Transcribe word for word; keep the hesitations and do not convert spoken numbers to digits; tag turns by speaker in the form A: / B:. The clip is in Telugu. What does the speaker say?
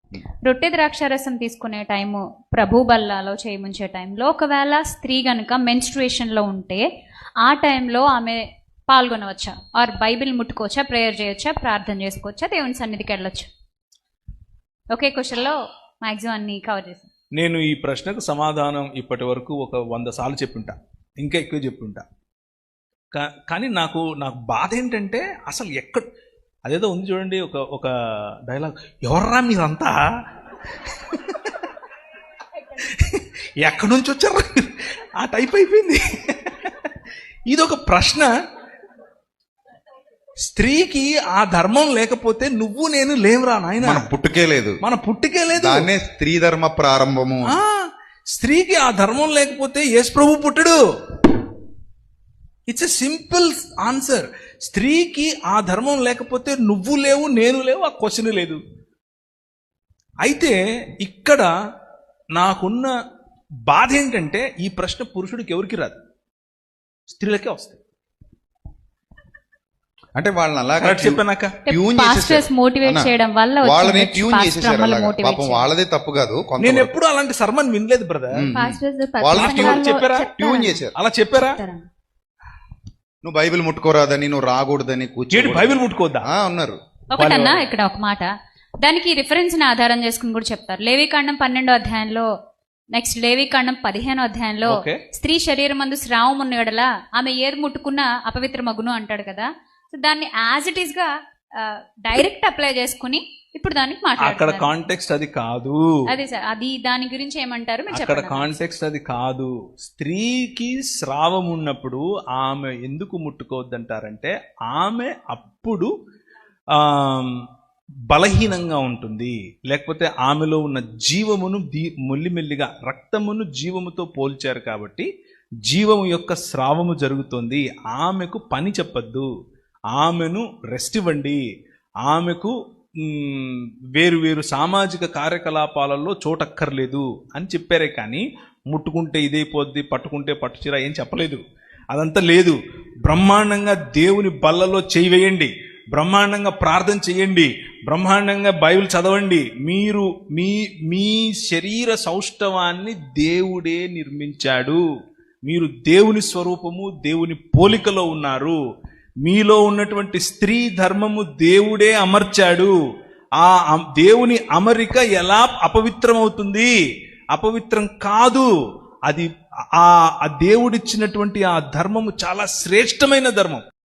A: రొట్టె ద్రాక్షారసం తీసుకునే టైము ప్రభు బల్లాలో చేయముంచే టైంలో ఒకవేళ స్త్రీ కనుక మెన్స్ట్రుయేషన్లో ఉంటే ఆ టైంలో ఆమె పాల్గొనవచ్చా, ఆర్ బైబిల్ ముట్టుకోవచ్చా, ప్రేయర్ చేయొచ్చా, ప్రార్థన చేసుకోవచ్చా, దేవుని సన్నిధికి వెళ్ళొచ్చా? ఒకే క్వశ్చన్లో మ్యాక్సిమం అన్ని కవర్ చేశాను.
B: నేను ఈ ప్రశ్నకు సమాధానం ఇప్పటి వరకు ఒక వంద సార్లు చెప్పుంటా, ఇంకా ఎక్కువ చెప్పుంటా. కానీ నాకు నాకు బాధ ఏంటంటే అసలు ఎక్కడ అదేదో ఉంది చూడండి, ఒక ఒక డైలాగ్, ఎవర్రా మీరంతా, ఎక్కడి నుంచి వచ్చారా, ఆ టైప్ అయిపోయింది. ఇది ఒక ప్రశ్న. స్త్రీకి ఆ ధర్మం లేకపోతే నువ్వు నేను లేవురా నాయన.
C: మన పుట్టుకే లేదు,
B: మన పుట్టుకే లేదు.
C: దాన్నే స్త్రీ ధర్మ ప్రారంభము.
B: స్త్రీకి ఆ ధర్మం లేకపోతే యేసు ప్రభు పుట్టడు. It's a simple answer. స్త్రీకి ఆ ధర్మం లేకపోతే నువ్వు లేవు, నేను లేవు, ఆ క్వశ్చన్ లేదు. అయితే ఇక్కడ నాకున్న బాధ ఏంటంటే ఈ ప్రశ్న పురుషుడికి ఎవరికి రాదు, స్త్రీలకే వస్తాయి.
C: అంటే వాళ్ళని అలాగా
B: చెప్పాక
C: ట్యూన్
A: చేయడం వల్ల
C: వాళ్ళని ట్యూన్ చేసేసారు. పాపం వాళ్ళదే తప్పు కాదు.
B: నేను ఎప్పుడు అలాంటి సర్మన్ వినలేదు బ్రదర్.
C: వాళ్ళని
B: చెప్పారా?
C: ట్యూన్ చేశారు.
B: అలా చెప్పారా?
C: నువ్వు బైబిల్ ముట్టుకోరాదని, నువ్వు రాకూడదని కూర్చొని
B: బైబిల్ ముట్టుకోద్దా
A: అన్నారు. ఒకటన్నా ఇక్కడ ఒక మాట, దానికి రిఫరెన్స్ ని ఆధారం చేసుకుని కూడా చెప్తారు. లేవికాండం పన్నెండో అధ్యాయంలో, నెక్స్ట్ లేవికాండం పదిహేనో అధ్యాయంలో, స్త్రీ శరీరం మందు స్రావం ఉన్న ఎడల ఆమె ఏరు ముట్టుకున్న అపవిత్ర మగును అంటాడు కదా. సో దాన్ని యాజ్ ఇట్ ఈస్ గా డైరెక్ట్ అప్లై చేసుకుని ఇప్పుడు దానికి మాట్లాడారు.
B: అక్కడ కాంటెక్స్ట్ అది కాదు.
A: అదే సార్, అది దాని గురించి ఏమంటారు మీరు?
B: అక్కడ కాంటెక్స్ట్ అది కాదు. స్త్రీకి స్రావం ఉన్నప్పుడు ఆమె ఎందుకు ముట్టుకోవద్దంటారంటే ఆమె అప్పుడు ఆ బలహీనంగా ఉంటుంది, లేకపోతే ఆమెలో ఉన్న జీవమును మెల్లిమెల్లిగా రక్తమును జీవముతో పోల్చారు కాబట్టి జీవము యొక్క స్రావము జరుగుతుంది. ఆమెకు పని చెప్పద్దు, ఆమెను రెస్ట్ ఇవ్వండి, ఆమెకు వేరు వేరు సామాజిక కార్యకలాపాలలో చోటక్కర్లేదు అని చెప్పారే కానీ ముట్టుకుంటే ఇదైపోద్ది, పట్టుకుంటే పట్టుచీర ఏం చెప్పలేదు. అదంతా లేదు. బ్రహ్మాండంగా దేవుని బల్లలో చేయి వేయండి, బ్రహ్మాండంగా ప్రార్థన చేయండి, బ్రహ్మాండంగా బైబిల్ చదవండి. మీరు మీ మీ శరీర సౌష్ఠవాన్ని దేవుడే నిర్మించాడు. మీరు దేవుని స్వరూపము, దేవుని పోలికలో ఉన్నారు. మీలో ఉన్నటువంటి స్త్రీ ధర్మము దేవుడే అమర్చాడు. ఆ దేవుని అమరిక ఎలా అపవిత్రమవుతుంది? అపవిత్రం కాదు. అది ఆ దేవుడిచ్చినటువంటి ఆ ధర్మము చాలా శ్రేష్టమైన ధర్మం.